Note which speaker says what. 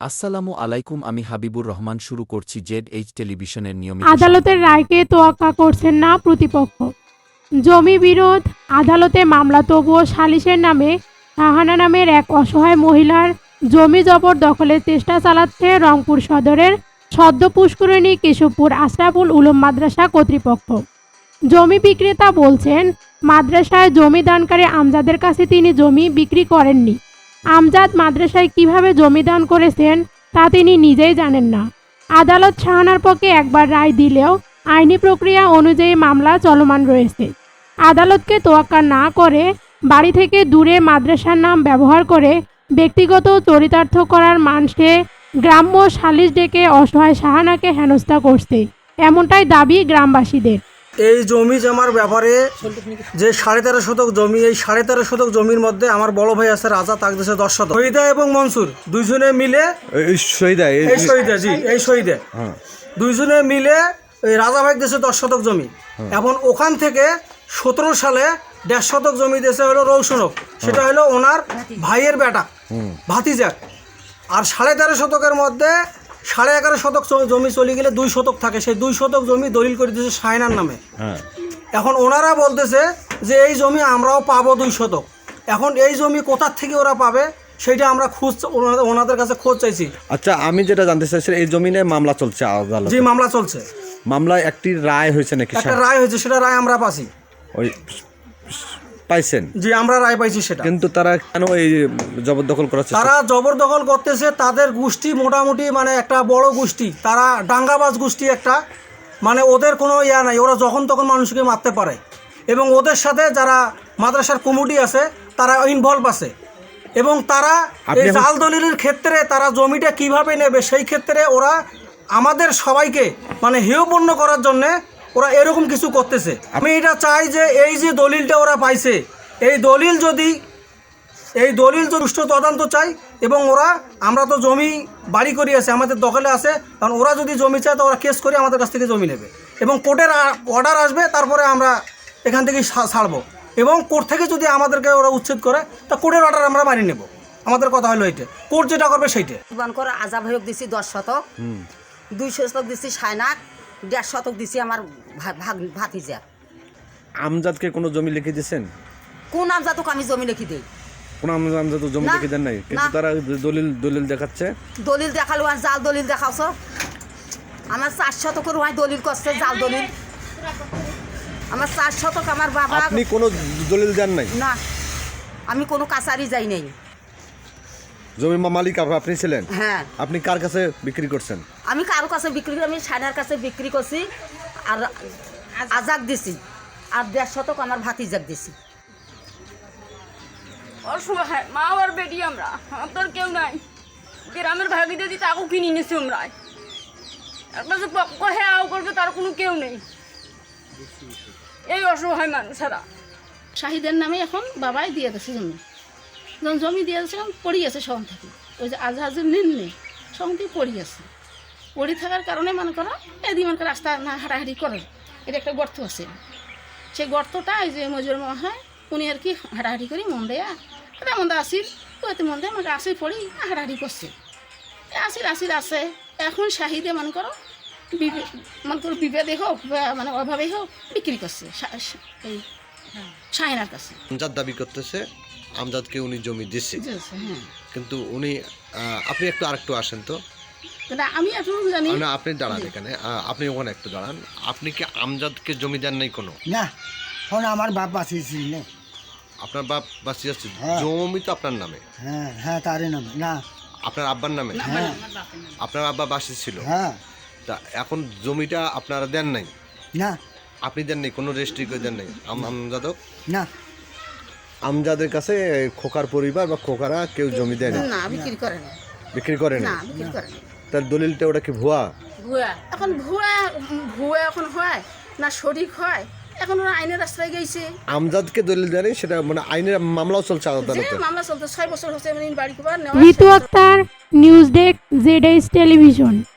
Speaker 1: আসসালামু আলাইকুম, আমি হাবিবুর রহমান শুরু করছি জেড টেলিভিশনের নিয়মিত
Speaker 2: আদালতের রায়কে তোয়াক্কা করছেন না প্রতিপক্ষ। জমি বিরোধ আদালতে মামলা তবুও সালিসের নামে শাহানা নামের এক অসহায় মহিলার জমি জবরদখলের চেষ্টা চালাচ্ছে রংপুর সদরের সদ্য পুষ্করিণী কেশবপুর আশরাফুল উলুম মাদ্রাসা কর্তৃপক্ষ। জমি বিক্রেতা বলছেন, মাদ্রাসায় জমি দানকারী আমজাদের কাছে তিনি জমি বিক্রি করেননি। আমজাদ মাদ্রাসায় কিভাবে জমি দান করেছেন তা তিনি নিজেই জানেন না। আদালত শাহানার পক্ষে একবার রায় দিলেও আইনি প্রক্রিয়া অনুযায়ী মামলা চলমান রয়েছে। আদালতকে তোয়াক্কা না করে বাড়ি থেকে দূরে মাদ্রাসার নাম ব্যবহার করে ব্যক্তিগত চরিতার্থ করার মানসে গ্রাম্য সালিশ ডেকে অসহায় শাহানাকে হেনস্থা করছে, এমনটাই দাবি গ্রামবাসীদের।
Speaker 3: এই জমি জমার ব্যাপারে যে 13.5 শতক জমি, এই 13.5 শতক জমির মধ্যে আমার বড় ভাই আছে রাজা, তাক দিয়েছে 10 শতক। শহীদা এবং মনসুর দুইজনে মিলে দুইজনে মিলে এই রাজা ভাই দিয়েছে 10 শতক জমি। এখন ওখান থেকে 17 সালে 1.5 শতক জমি দিয়েছে হলো রৌশনক, সেটা হলো ওনার ভাইয়ের বেটা ভাতিজা। আর 13.5 শতকের মধ্যে 11.5 শতক জমি চলে গেলে 2 শতক থাকে, সেই 2 শতক জমি দলিল করে দিয়েছে শাহিনার নামে। এখন ওনারা বলতেছে যে এই জমি আমরাও পাবো 2 শতক। এখন এই জমি কোথার থেকে ওরা পাবে সেটা আমরা ওনাদের কাছে খোঁজ চাইছি।
Speaker 4: আচ্ছা, আমি যেটা জানতে চাইছি, এই জমিনে মামলা চলছে আদালতে?
Speaker 3: জি, মামলা চলছে।
Speaker 4: মামলায় একটি রায় হয়েছে নাকি?
Speaker 3: একটা রায় হয়েছে, সেটা রায় আমরা পাইছি।
Speaker 4: ওই পাইছেন?
Speaker 3: জি, আমরা রায় পাইছি সেটা।
Speaker 4: কিন্তু তারা কেন এই জবরদখল করেছে?
Speaker 3: তারা জবরদখল করতেছে, তাদের গোষ্ঠী মোটামুটি মানে একটা বড় গোষ্ঠী, তারা ডাঙ্গাবাজ গোষ্ঠী একটা, মানে ওদের কোনো ইয়া নাই, ওরা যখন তখন মানুষকে মারতে পারে। এবং ওদের সাথে যারা মাদ্রাসার কমিটি আছে তারা ইনভলভ আছে। এবং তারা এই জাল দলিলের ক্ষেত্রে তারা জমিটা কিভাবে নেবে সেই ক্ষেত্রে ওরা আমাদের সবাইকে মানে হেয়পূর্ণ করার জন্যে ওরা এরকম কিছু করতেছে। আমি এটা চাই যে এই যে দলিলটা ওরা পাইছে, এই দলিল যদি সুষ্ঠু তদন্ত চাই। এবং ওরা, আমরা তো জমি বাড়ি করি আছে, আমাদের দখলে আছে, কারণ ওরা যদি জমি চায় তো ওরা কেস করে আমাদের কাছ থেকে জমি নেবে এবং কোর্টের অর্ডার আসবে, তারপরে আমরা এখান থেকে ছাড়বো। এবং কোর্ট থেকে যদি আমাদেরকে ওরা উচ্ছেদ করে তা কোর্টের অর্ডার আমরা মানি নেব। আমাদের কথা হলো এইটা, কোর্ট যেটা করবে সেইটা।
Speaker 5: করে আজাব হয়ে দিছি 10 শতক, 2 শতক দিছি শায়নাক, 1.5 শতক দিছি আমার ভাতিজা।
Speaker 4: আমজাদকে কোনো জমি লিখে দিয়েছেন?
Speaker 5: কোন আমজাদক আমি জমি লিখি দিই?
Speaker 4: কোন আমজাদ জমি লিখে দেন নাই? কিন্তু তারা দলিল দেখাচ্ছে।
Speaker 5: দলিল দেখালো আর জাল দলিল দেখাওছ। আমার 4 শতকের ওয়াই দলিল করছে, জাল দলিল। আমার 4 শতক আমার বাবা।
Speaker 4: আপনি কোনো দলিল দেন নাই?
Speaker 5: না, আমি কোনো কাছারি যাই নাই।
Speaker 4: জমি মালিক আপনি ছিলেন?
Speaker 5: হ্যাঁ।
Speaker 4: আপনি কার কাছে বিক্রি করছেন?
Speaker 5: আমি কারো কাছে বিক্রি করি, আমি শায়নার কাছে বিক্রি করছি আর আজাক দিছি, আর 1.5 শতক আমার ভাতিজাক দিছি।
Speaker 6: অসহায় মা আর বেটি, আমরা আপনার কেউ নাই। গ্রামের ভাগি দিদি তাকেও কিনে নিয়েছি আমরা। একটা যে পক্ষ হ্যাঁ করবে তার কোনো কেউ নেই, এই অসহায় মানুষেরা।
Speaker 7: শাহিদের নামে এখন বাবাই দিয়ে দিয়েছে জমি। যখন জমি দিয়ে দিয়েছে পড়ি আছে সঙ্গ থেকে, ওই যে আজহাজের নিম্নে সঙ্গ থেকে পড়ি আছে। পড়ি থাকার কারণে মনে করো এদিকে মনে করো রাস্তা না হাঁটাহাঁটি করে, এটা একটা গর্ত আছে। সেই গর্তটা এই যে মজুর মা হয় উনি আর কি হাঁটাহাঁটি করি মন দেয়া এটা মন্দা আসিল, ওতে মন দেয় আমাকে আসি পড়ি হাঁটাহাঁটি করছে, আসিল আছে। এখন শাহিদে মনে করো বিভেদে হোক মানে অভাবে হোক বিক্রি করছে এই শাহিনার কাছে।
Speaker 8: আমজাদ দাবি করতেছে আমজাদকে উনি জমি দিচ্ছে,
Speaker 7: হ্যাঁ।
Speaker 8: কিন্তু উনি আপনি একটু আরেকটু আসেন তো।
Speaker 7: আমি একটু জানি
Speaker 8: না, আপনি দাঁড়ান এখানে, আপনি ওখানে একটু দাঁড়ান। আপনি কি আমজাদকে জমি দেন নাই কোনো?
Speaker 9: না, এখন আমার বাপ বাঁচিয়েছিল না।
Speaker 8: আপনার বাপ বাঁচি যাচ্ছে, জমি তো আপনার নামে?
Speaker 9: হ্যাঁ হ্যাঁ, তারই নামে। না,
Speaker 8: আপনার আব্বার নামে?
Speaker 9: হ্যাঁ।
Speaker 8: আপনার আব্বা বাঁচি ছিল?
Speaker 9: হ্যাঁ।
Speaker 8: তা এখন জমিটা আপনারা দেন নাই?
Speaker 9: না,
Speaker 8: আপনি দেন নাই, কোনো রেজিস্ট্রি করে দেন নাই আমজাদক?
Speaker 9: না।
Speaker 4: আমজাদের কাছে খোকার পরিবার বা খোকারা কেউ জমি দেয় না?
Speaker 7: না, বিক্রি করে না।
Speaker 4: বিক্রি করে না?
Speaker 7: না, বিক্রি করে না।
Speaker 4: তার দলিলটা ওটা কি ভুয়া?
Speaker 7: এখন ভুয়া এখন হয় না শরিক হয়, এখন ওরা আইনের রাস্তায় গেছে।
Speaker 4: আমজাদকে দলিল দেয় নাই, সেটা মানে আইনের মামলাও চলছে আদালতে?
Speaker 7: মামলা চলতে 6 বছর হচ্ছে বাড়ি
Speaker 2: Ritu Akter, news desk, Z television.